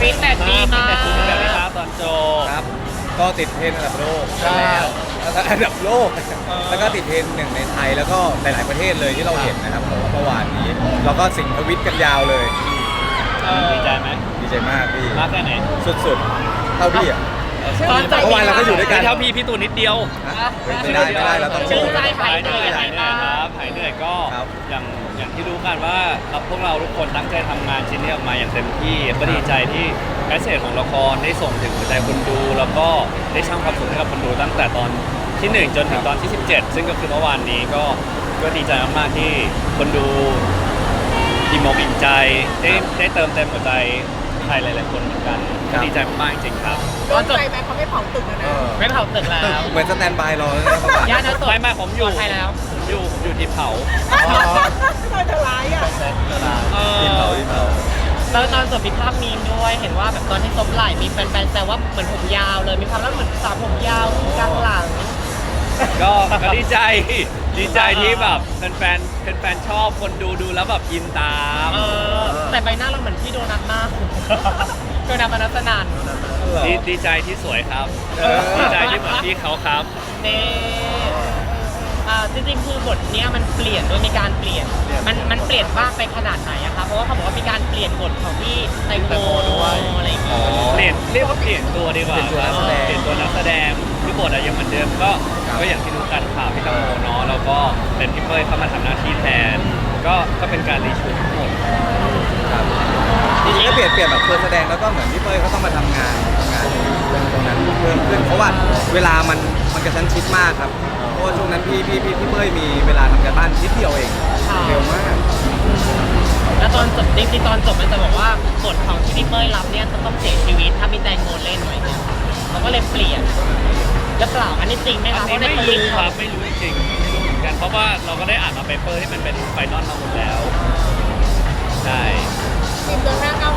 ฟีดแบ็กดีมากแต่คุณแบบนี้ครับตอนโจครับก็ติดเทรนด์อันดับโลกแล้วอันดับโลกแล้วก็ติดเทรนด์หนึ่งในไทยแล้วก็หลาย ๆประเทศเลยที่เราเห็นนะครับผมเมื่อวานนี้เราก็สิงทวิตกันยาวเลยดีใจไหมดีใจมากพี่มากแค่ไหนสุดๆเท่าพี่อ่ะตอนใจเมื่อวานเราก็อยู่ด้วยกันเท่าพี่ตูนนิดเดียวไม่ได้เราต้องชื่นใจหายเหนื่อยครับหายเหนื่อยก็ครับอย่างที่รู้กันว่าพวกเราทุกคนตั้งใจทำงานชิ้นนี้ออกมาอย่างเต็มที่ก็ดีใจที่แมสเซจของละครได้ส่งถึงหัวใจคนดู แล้วก็ได้สร้างความสุขให้กับคนดูตั้งแต่ตอนที่ 1 จนถึงตอนที่ 17 ซึ่งก็คือเมื่อวานนี้ก็ดีใจมากๆที่คนดูอิ่มอกอิ่มใจได้เติมเต็มหัวใจใครหลายๆคนเหมือนกันก็ดีใจมากๆจริงๆครับโดนใจไหมเขาไม่เผาตึกแล้วนะไม่เผาตึกแล้วเหมือนสแตนบายรอแล้วนะประมาณย่านนั้นสดไม่ผมอยู่ปลอดภัยแล้วผมอยู่ที่เผาทำไมเธอร้ายอ่ะทีมเขาแล้วตอนจบมีภาพมีมด้วยเห็นว่าแบบตอนที่ซบไหล่มีแฟนๆแซวว่าเหมือนผมยาวเลยมีความแล้วเหมือนสาวผมยาวกลางหลังก็ดีใจที่แบบแฟนชอบคนดูแล้วแบบอินตามแต่ใบหน้าเราเหมือนพี่โดนัทมากโดนัทมนัสนันดีใจที่สวยครับดีใจที่เหมือนพี่เขาครับนี่จริงๆคือบทเนี้ยมันเปลี่ยนด้วยมีการเปลี่ยนมันเปลี่ยนบ้างไปขนาดไหนอะคะเพราะว่าเขาบอกว่ามีการเปลี่ยนบทของพี่แตงโมด้วยอะไรอย่างเงี้ยเรียกว่าเปลี่ยนตัวดีกว่าเปลี่ยนตัวนักแสดงเปลี่ยนตัวนักแสดงคือบทอะยังเหมือนเดิมก็อย่างที่รู้กันข่าวพี่ตังโมเนาะแล้วก็เป็นพี่เป้ยเข้ามาทำหน้าที่แทน ก็เป็นการรีชูตทั้งหมดครับจริงๆก็เปลี่ยนแบบตัวแสดงแล้วก็เหมือนพี่เป้ยเขาต้องมาทำงานตรงนั้นเพิ่มขึ้นเพราะว่าเวลามันกระชั้นชิดมากครับเพราะว่าช่วงนั้นพี่เป้ยมีเวลาทำการบ้านนิดเดียวเองเร็วมากแล้วตอนจบจริงๆตอนจบมันจะบอกว่าบทของที่พี่เป้ยรับเนี่ยจะต้องเสียชีวิตถ้ามีแตงโมเล่นไว้เนี่ยเขาก็เลยเปลี่ยนแล้วเปล่าอันนี้จริงไหมอัคะนเพนี้ราะในไม่ทวิตรู้คเขารับไม่รู้จริงๆไม่รู้เหมือนกันเพราะว่าเราก็ได้อ่านมาเปเปอร์ที่มันเป็นไฟนอลมาหมดแล้วใช่ทีมเดินหน้าก้าว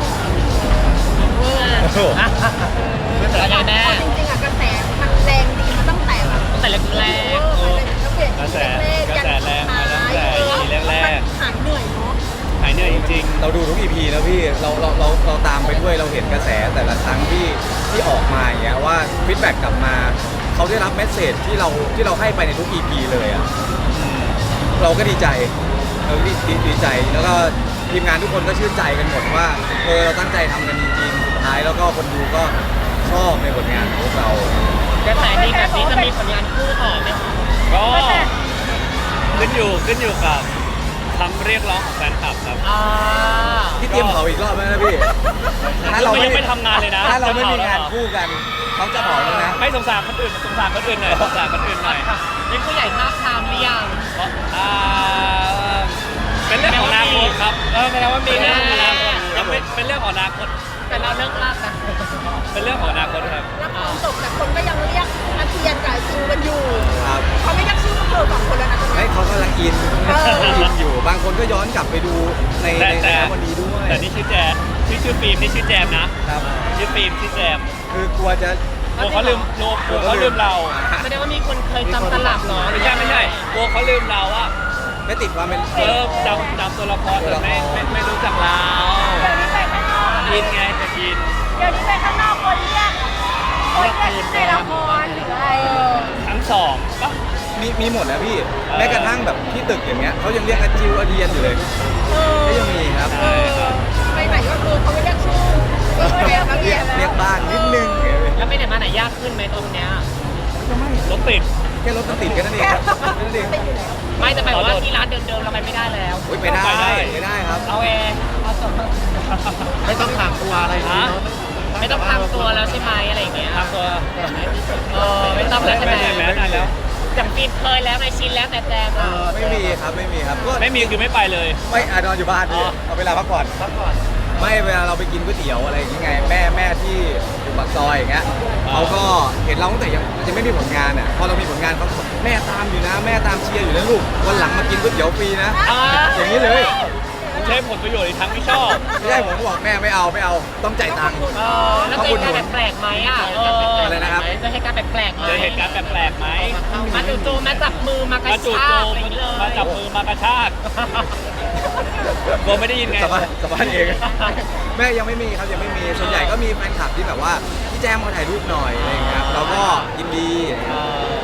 แล้วยังแม่จริงๆอ่ะกระแสมันแรงดีมาตั้งแต่แบบตั้งแต่แรกแล้วเปลี่ยนกระแสแรงมาตั้งแต่ EP แรกหายเหนื่อยเนาะๆหายเหนื่อยจริงๆเราดูทุก EP นะพี่เราตามไปด้วยเราเห็นกระแสแต่ละครั้งที่ออกมาอย่างเงี้ยว่าฟีดแบ็กกลับมาเขาได้รับเมสเซจที่เราให้ไปในทุก EP เลยอ่ะเราก็ดีใจดีใจแล้วก็ทีมงานทุกคนก็ชื่นใจกันหมดว่าเราตั้งใจทำกันจริงๆสุดท้ายแล้วก็คนดูก็ชอบในผลงานของพวกเรากระแสดีแบบนี้จะมีผลงานคู่ต่อไหมคะก็ขึ้นอยู่กับคำเรียกร้องของแฟนคลับครับพี่เตรียมเผาอีกรอบไหมนะพี่ยังไม่ทำงานเลยนะถ้าเราไม่มีงานคู่กันเขาจะเผาแล้วนะไม่สงสารคนอื่นสงสารคนอื่นหน่อยสงสารคนอื่นหน่อยนี่ผู้ใหญ่ทราบทามหรือยังอ่าเป็นเรื่องของอนาคตครับแสดงว่ามีเป็นแน่เรื่องของอนาคตยังเป็นเรื่องของอนาคตแต่เราเลิกลากกันเป็นเรื่องของอนาคตครับแล้วพอจบแต่คนก็ยังเรียกอาเทียนกับจิวกันอยู่ครับเขาไม่เรียกชื่อพวกเธอสองคนแล้วนะตอนไม่นี้เขากำลังอินอยู่บางคนก็ย้อนกลับไปดูในแต่วันนี้ด้วยแต่นี่ชื่อแจมชื่อฟิล์มนี่ชื่อแจมนะครับ ชื่อฟิล์มชื่อแจมคือกลัวจะกลัวเขาลืมเราแสดงว่ามีคนเคยจำตลับเหรอไม่ใช่กลัวเขาลืมเราอะไม่ติดความเป็นจำตัวละครแต่ไม่รู้จักเราเดี๋ยวนี้ไปข้างนอกอินไงเป็นอินเดี๋ยวนี้ไปข้างนอกคนเรียกในละครหรืออะไรทั้งสองปะมีหมดนะพี่แม้กระทั่งแบบที่ตึกอย่างเงี้ยเขายังเรียกอาจิวอาเดียนอยู่เลยก็ยังมีครับใช่ครับไปไหนก็คือเขาไม่เรียกชื่อเรียกนักเรียนเรียกบ้างนิดนึงแล้วไปไหนมาไหนยากขึ้นไหมตรงเนี้ยรถติดแค่รถมันติดกันนั่นเองครับนั่นเองไม่จะหมายว่าที่ร้านเดิมๆเราไปไม่ได้แล้วไปได้ครับเอาเองเอาสดไม่ต้องถามตัวอะไรฮะไม่ต้องทำตัวแล้วใช่ไหมอะไรอย่างเงี้ยทำตัวไม่ต้องแล้วใช่ไหมแม้นานแล้วอย่างฟิล์มเคยแล้วในชินแล้วแต่แจมอะไม่มีครับก็ไม่มีคือไม่ไปเลยไม่นอนอยู่บ้านพี่เอาเวลาพักผ่อนไม่เวลาเราไปกินก๋วยเตี๋ยวอะไรอย่างเงี้ยแม่ที่อยู่ปากซอยอย่างเงี้ยเขาก็เห็นเราตั้งแต่ยังไม่มีผลงานอ่ะพอเรามีผลงานเขาบอกแม่ตามอยู่นะแม่ตามเชียร์อยู่นะลูกวันหลังมากินก๋วยเตี๋ยวฟรีนะอย่างนี้เลยใช้ผลประโยชน์อีกทั้งที่ชอบไม่ใช่ผมบอกแม่ไม่เอาต้องจ่ายตังค์แล้วเจอเหตุการณ์แปลกๆไหมอ่ะอะไรนะครับเจอเหตุการณ์แปลกๆไหมเจอเหตุการณ์แปลกๆไหมมาจู่ๆมาจับมือมากระมาจูบชาโจกอะไรอย่างเงี้ยเลยมาจับมือมากระชากกลัวไม่ได้ยินไงสบายสบายเอง แม่ยังไม่มีครับยังไม่มีส่วนใหญ่ก็มีแฟนคลับที่แบบว่าพี่แจมมาถ่ายรูปหน่อยอะไรอย่างเงี้ยครับเราก็ยินดีอะไรอย่างเงี้ย